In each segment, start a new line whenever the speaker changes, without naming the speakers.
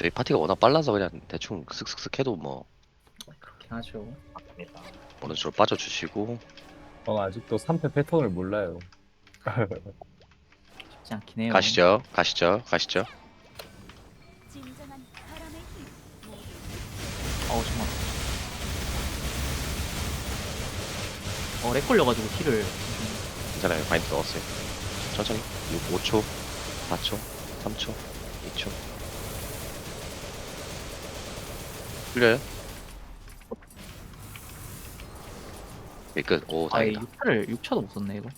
저희 파티가 워낙 빨라서 그냥 대충 슥슥슥 해도 뭐
그렇게 하죠.
맞습니다.
어느 쪽으로 빠져주시고.
전 아직도 3패 패턴을 몰라요.
쉽지 않긴 해요.
가시죠 가시죠.
진정한 바람의 힘 모두
어우 정말. 렉 걸려가지고 킬을
괜찮아요. 바인드 넣었어요. 천천히 5초 4초 3초 2초 풀려요? 끝. 오
아예
다행이다.
6차도 못 썼네 이거.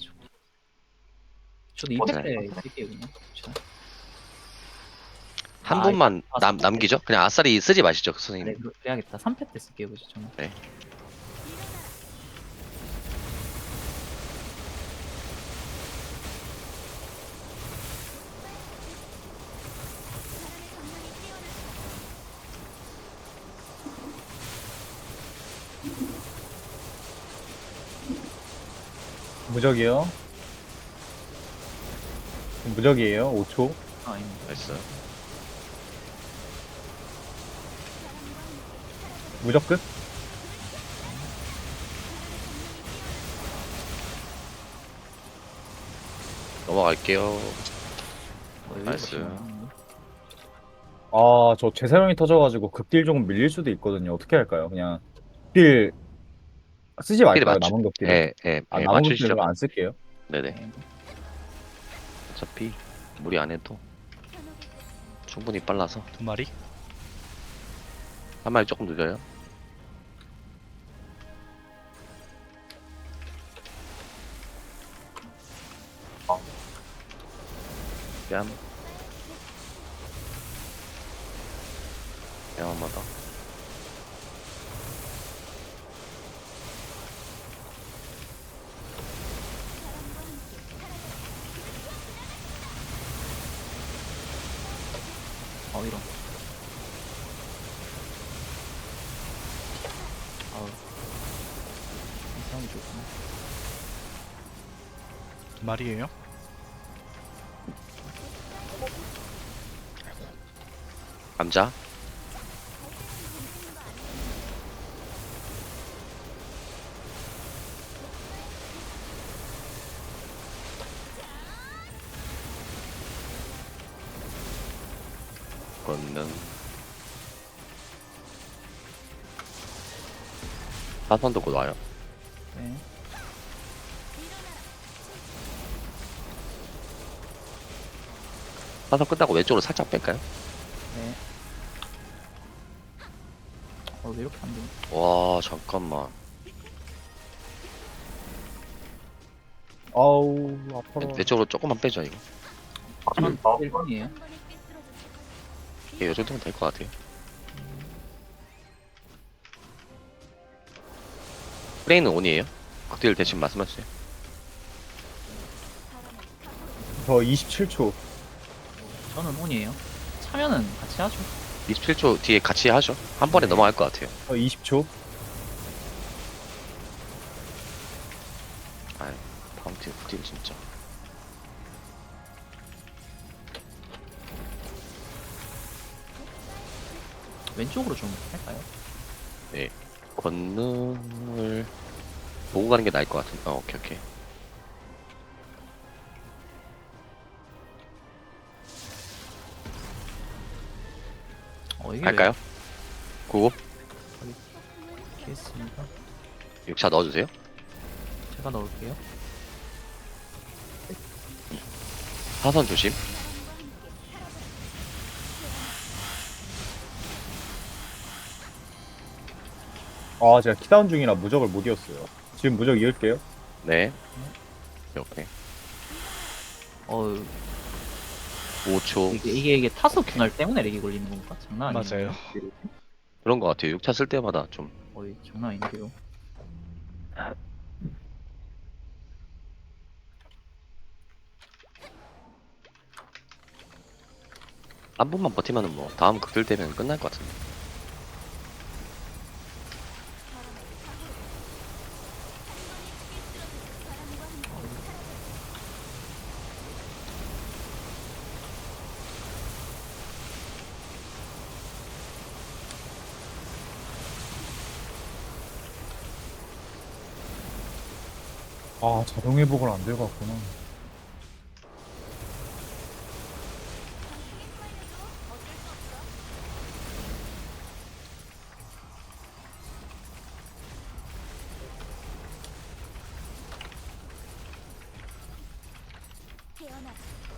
저도
어,
2패 때
네.
쓸게요 그냥. 그쵸?
한
아,
분만
아,
남기죠? 그냥 아싸리 쓰지 마시죠
네,
선생님.
그래야겠다. 3패 때 쓸게요 그죠 저는.
무적이요. 무적이에요. 5초.
아 아닙니다.
나이스.
무적 끝.
넘어갈게요.
여기
나이스.
보시면
아, 저 재사용이 터져가지고 극딜 조금 밀릴 수도 있거든요. 어떻게 할까요? 그냥 극딜 쓰지 말까요?
맞추-
남은 극딜을? 남은 극딜을
맞추시죠.
그럼 안 쓸게요.
네네.
네.
어차피 무리 안 해도 충분히 빨라서.
2마리?
한 마리 조금 늦어요. 뺨. 뺨 한번 더.
이런. 아우. 이상이 좋구나.
2마리에요?
감자. 걷는. 사선도 곧 와요.
네.
사선 끝나고 왼쪽으로 살짝 뺄까요?
네. 왜 이렇게 안 되냐?
와 잠깐만.
아우, 아파라.
왼쪽으로 조금만 빼죠 이거.
하지만
어,
1번이에요.
예, 이 정도면 될 것 같아요. 프레이는 온이에요? 극딜 대신 말씀하세요.
저 27초.
저는 온이에요. 차면은 같이 하죠.
27초 뒤에 같이 하죠. 한 번에
네.
넘어갈 것 같아요.
저 20초.
아이, 파운틴 극딜 진짜.
왼쪽으로 좀 할까요?
권능을 보고 가는 게 나을 것 같은데. 오케이.
이게
갈까요? 구고
왜 이렇게 했습니다.
6차 넣어주세요.
제가 넣을게요.
사선 조심.
아, 제가 키다운 중이라 무적을 못 이었어요. 지금 무적 이을게요.
네. 오케이.
어
5초.
이게 타수 균열 때문에 렉이 걸리는 건가? 장난 아니에요.
맞아요.
그런 것 같아요. 6차 쓸 때마다 좀.
장난 아닌데요.
한 번만 버티면은 뭐 다음 극딜 되면 끝날 것 같은데.
아, 자동 회복을 안 들고 왔구나.
태어나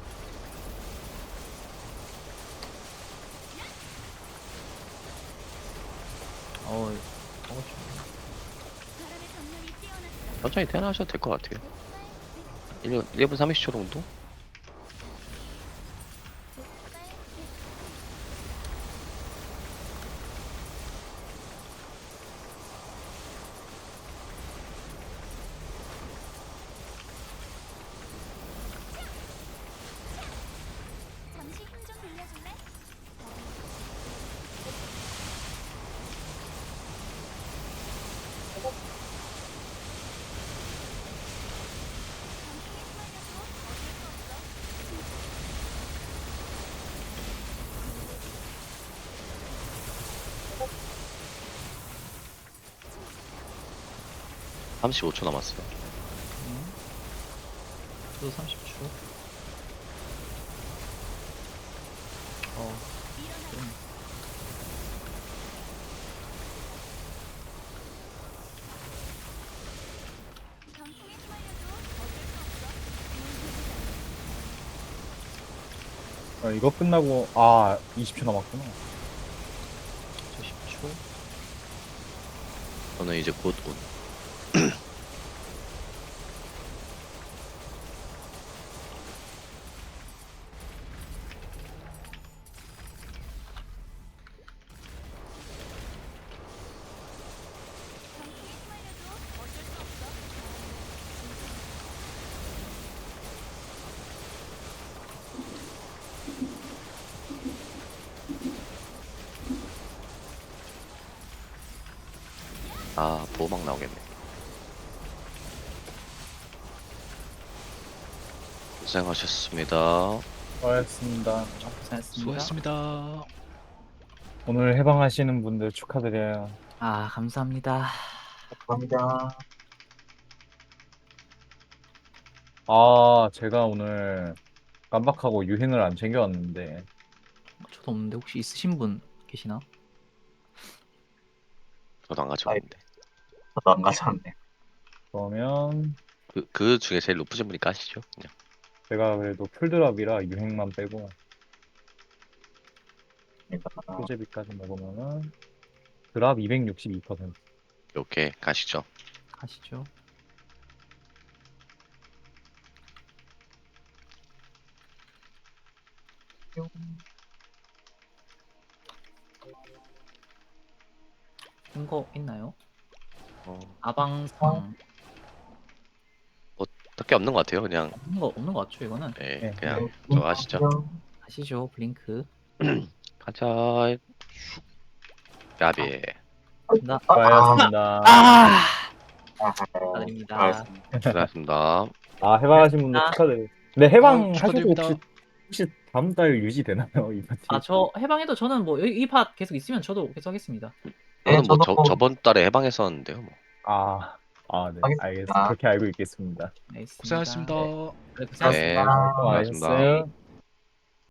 어, 좀.
바람의 정렬이 뛰어났어.
천천히 태어나셔도 될 것 같아요. 1분 30초 정도?
잠시 힘 좀 빌려줄래?
음. 35초 남았어요.
저도 30초. 좀.
병풍에 휘말려도 어쩔 수 없어.
이거 끝나고, 아, 20초 남았구나.
저 10초.
저는 이제 곧 온.
병풍에 휘말려도 어쩔 수 없어.
아, 보호막 나오겠네. 고생하셨습니다.
수고하셨습니다.
고생했습니다.
수고하셨습니다.
오늘 해방하시는 분들 축하드려요.
아, 감사합니다.
아, 제가 오늘 깜빡하고 유행을 안 챙겨왔는데,
저도 없는데 혹시 있으신 분 계시나?
저도 안 가져왔는데.
저도 안 가져왔네.
그러면
그 중에 제일 높으신 분이 까시죠? 그냥.
제가 그래도 풀드랍이라 유행만 빼고, 소재비까지 먹으면은, 드랍 262%.
오케이, 가시죠.
가시죠. 거 있나요?
어,
아방상
딱히 없는 것 같아요. 그냥,
없는 거 같죠 이거는?
예,
네.
그냥 저거 하시죠.
가시죠 블링크.
가자. 야비.
나
수고하셨습니다.
축하드립니다.
고생하셨습니다.
아, 해방하신 분들
아.
축하드려요. 근데 해방
아유,
하셔도
축하드립니다.
혹시 다음 달 유지되나요? 이 파티?
아, 저 해방해도 저는 뭐 이 팟 계속 있으면 저도 계속 하겠습니다.
저는 뭐
저도
저번 달에 해방했었는데요. 뭐.
아, 네.
알겠습니다.
알겠습니다. 그렇게 알고 있겠습니다.
알겠습니다.
고생하셨습니다.
네, 고생하셨습니다.
네,
수고하셨어요.